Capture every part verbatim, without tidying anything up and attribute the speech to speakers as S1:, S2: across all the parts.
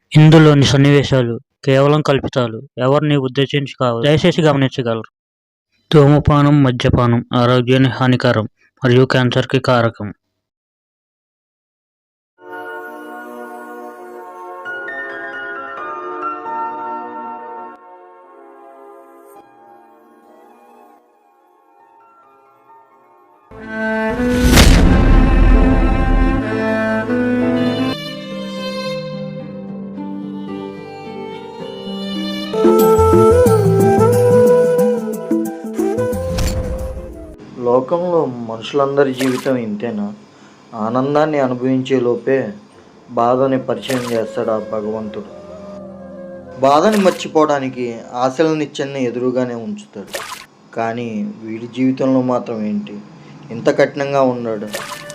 S1: ఇందులోని సన్నివేశాలు కేవలం కల్పితాలు. ఎవరిని ఉద్దేశించి కావు. దయచేసి గమనించగలరు. ధూమపానం, మద్యపానం ఆరోగ్యానికి హానికరం మరియు క్యాన్సర్కి కారకం.
S2: లోకంలో మనుషులందరి జీవితం ఇంతేనా? ఆనందాన్ని అనుభవించే లోపే బాధని పరిచయం చేస్తాడు ఆ భగవంతుడు. బాధని మర్చిపోవడానికి ఆశల నిత్యాన్ని ఎదురుగానే ఉంచుతాడు. కానీ వీడి జీవితంలో మాత్రం ఏంటి ఇంత కఠినంగా ఉన్నాడు?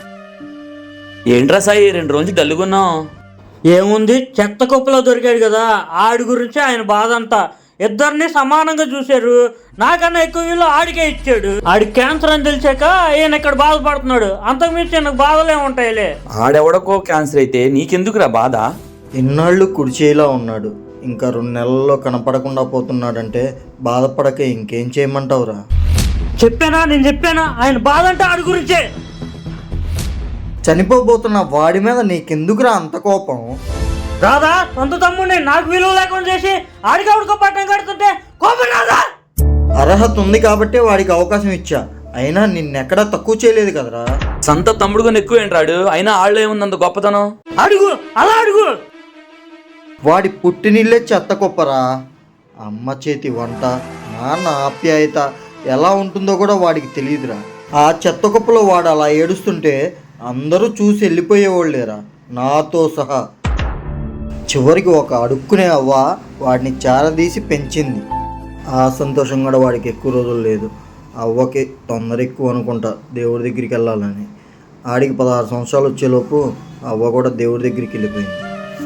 S3: ఏంట్రా సాయి రెండు రోజులు డల్లుగున్నావు?
S1: ఏముంది, చెత్త కుప్పలో దొరికాడు కదా, ఆడి గురించి ఆయన బాధ అంతా. ఇద్దరిని సమానంగా చూశారు. నాకన్నా ఎక్కువ వీళ్ళు ఆడికే ఇచ్చాడు. ఆడి క్యాన్సర్ అని తెలిసాక ఈయన ఇక్కడ బాధపడుతున్నాడు. అంతకుమించి నాకు బాధలే ఉంటాయిలే.
S3: ఆడెవడకో క్యాన్సర్ అయితే నీకెందుకురా బాధ?
S2: ఇన్నాళ్ళు కుడిచేలా ఉన్నాడు, ఇంకా రెండు నెలల్లో కనపడకుండా పోతున్నాడంటే బాధపడక ఇంకేం చేయమంటావురా?
S1: చెప్పానా నేను చెప్పానా ఆయన బాధ అంటే ఆడి గురించే.
S2: చనిపోబోతున్న వాడి మీద నీకెందుకురా అంత కోపం?
S1: రాదా సొంత తమ్ముడిని నాకు విలువ లేకుండా చేసి ఆడికి ఆవిడకో పట్టం కడుతుంటే కోపం రాదా?
S2: అర్హత ఉంది కాబట్టే వాడికి అవకాశం ఇచ్చా, అయినా నిన్నెక్కడా తక్కువ చేయలేదు కదరా.
S3: సొంత తమ్ముడుగా ఎక్కువ ఏంటాడు, అయినా ఆళ్ళు ఏముంది అంత గొప్పతనం?
S1: అడుగు అలా అడుగు.
S2: వాడి పుట్టినిల్లే చెత్త కుప్పరా. అమ్మ చేతి వంట, నాన్న ఆప్యాయత ఎలా ఉంటుందో కూడా వాడికి తెలియదురా. ఆ చెత్త కుప్పలో వాడు అలా ఏడుస్తుంటే అందరూ చూసి వెళ్ళిపోయేవాళ్ళేరా, నాతో సహా. చివరికి ఒక అడుక్కునే అవ్వ వాడిని చారదీసి పెంచింది. ఆ సంతోషం కూడా వాడికి ఎక్కువ రోజులు లేదు. అవ్వకి తొందర ఎక్కువ అనుకుంటా దేవుడి దగ్గరికి వెళ్ళాలని. ఆడికి పదహారు సంవత్సరాలు వచ్చేలోపు అవ్వ కూడా దేవుడి దగ్గరికి వెళ్ళిపోయింది.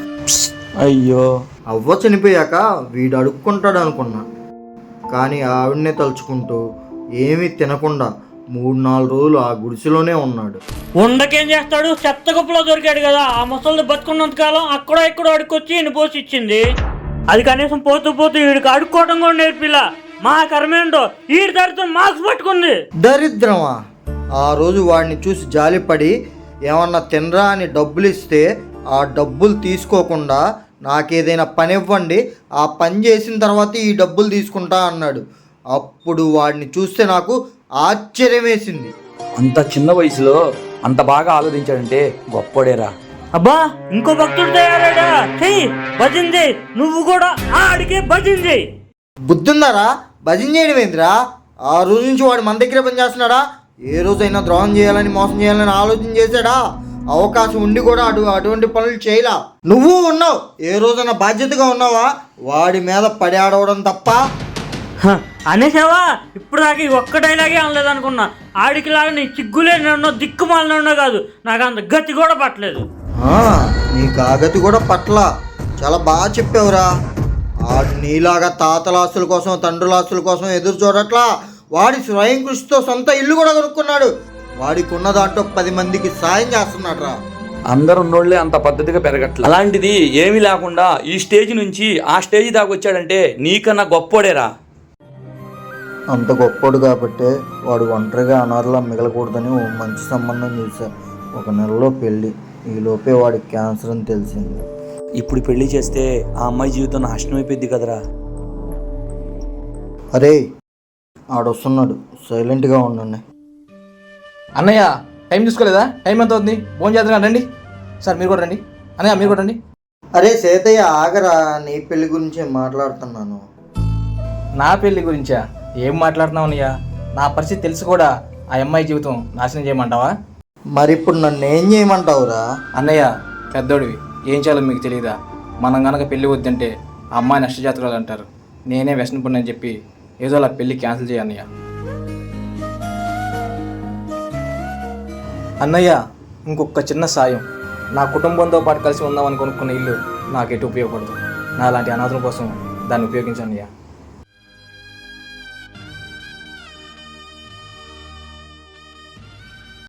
S3: అయ్యో,
S2: అవ్వ చనిపోయాక వీడు అడుక్కుంటాడు అనుకున్నా, కానీ ఆవిడనే తలుచుకుంటూ ఏమీ తినకుండా మూడు నాలుగు రోజులు ఆ గుడిసెలోనే ఉన్నాడు.
S1: ఉండకేం చేస్తాడు, చెత్త కుప్పలో దొరికాడు కదా. ఆ ముసలి బతుకున్నంత కాలం అక్కడ ఇక్కడ అడుక్కొచ్చి ఈయన పోసి ఇచ్చింది. అది కనీసం పోతూ పోతూ వీడికి అడుక్కోవడం కూడా నేర్పిలా. మా కర్మేంటో వీడి దరిద్రం మార్క్స్ పట్టుకుంది.
S2: దరిద్రమా? ఆ రోజు వాడిని చూసి జాలిపడి ఏమన్నా తినరా అని డబ్బులు ఇస్తే ఆ డబ్బులు తీసుకోకుండా నాకేదైనా పని ఇవ్వండి, ఆ పని చేసిన తర్వాత ఈ డబ్బులు తీసుకుంటా అన్నాడు. అప్పుడు వాడిని చూస్తే నాకు ఆశ్చర్యం వేసింది.
S3: అంత చిన్న వయసులో అంత బాగా ఆలోచించాడంటే గొప్పడేరా.
S1: అబ్బా ఇంకో భక్తుడు తయారాడా, చెయ్యి భజన చేయి. నువ్వు కూడా ఆడికే భజన చేయి.
S2: బుద్ధుందారా? భజన చేయడం ఏందిరా? ఆ రోజు నుంచి వాడు మన దగ్గర పని చేస్తున్నాడా? ఏ రోజైనా ద్రోహం చేయాలని మోసం చేయాలని ఆలోచన చేశాడా? అవకాశం ఉండి కూడా అటు అటువంటి పనులు చేయలా. నువ్వు ఉన్నావు, ఏ రోజైనా బాధ్యతగా ఉన్నావా? వాడి మీద పడి ఆడవడం తప్ప.
S1: అనేసావా? ఇప్పుడు దాకా ఒక్క డైలాగే అనలేదు అనుకున్నా. ఆడికి లాగా నీ చిగ్గులేనో దిక్కుమాలనో కాదు, నాకు అంత గతి కూడా పట్టలేదు.
S2: నీకు ఆ గతి కూడా పట్ల. చాలా బాగా చెప్పావురా. ఆడు నీలాగా తాతల ఆస్తుల కోసం తండ్రుల ఆస్తుల కోసం ఎదురు చూడట్లా. వాడి స్వయం కృషితో సొంత ఇల్లు కూడా కొనుక్కున్నాడు. వాడికి ఉన్న దాంట్లో పది మందికి సాయం చేస్తున్నాడు రా.
S3: అందరు ఉన్నోళ్లే అంత పద్ధతిగా పెరగట్ల, అలాంటిది ఏమీ లేకుండా ఈ స్టేజ్ నుంచి ఆ స్టేజ్ దాకా వచ్చాడంటే నీకన్నా గొప్పోడేరా.
S2: అంత గొప్పోడు కాబట్టే వాడు ఒంటరిగా అనాథలా మిగలకూడదని ఓ మంచి సంబంధం చూసా. ఒక నెలలో పెళ్ళి, ఈ లోపే వాడికి క్యాన్సర్ అని తెలిసింది.
S3: ఇప్పుడు పెళ్లి చేస్తే ఆ అమ్మాయి జీవితం నాశనం అయిపోయింది కదరా.
S2: అరే ఆడొస్తున్నాడు, సైలెంట్గా ఉండండి.
S4: అన్నయ్య టైం చూసుకోలేదా? టైం ఎంత అవుతుంది? ఫోన్ చేద్దాం రండి. సార్ మీరు కూడా రండి. అన్నయ్య మీరు కూడా రండి.
S2: అరే సేతయ్య ఆగరా, నీ పెళ్లి గురించే మాట్లాడుతున్నాను.
S4: నా పెళ్లి గురించా? ఏం మాట్లాడుతున్నావు అన్నయ్య? నా పరిస్థితి తెలిసి కూడా ఆ అమ్మాయి జీవితం నాశనం చేయమంటావా?
S2: మరి ఇప్పుడు నన్ను ఏం చేయమంటావురా?
S4: అన్నయ్య పెద్దోడివి, ఏం చేయాలో మీకు తెలియదా? మనం కనుక పెళ్లి వద్దంటే ఆ అమ్మాయి నష్టజాతకురాలు అంటారు. నేనే వ్యసన పడినని చెప్పి ఏదో అలా పెళ్లి క్యాన్సిల్ చేయ అన్నయ్య. అన్నయ్య ఇంకొక చిన్న సాయం, నా కుటుంబంతో పాటు కలిసి ఉందామని కొనుక్కున్న ఇల్లు నాకు ఎటు ఉపయోగపడదు. నా లాంటి అనాథుల కోసం దాన్ని ఉపయోగించు అన్నయ్య.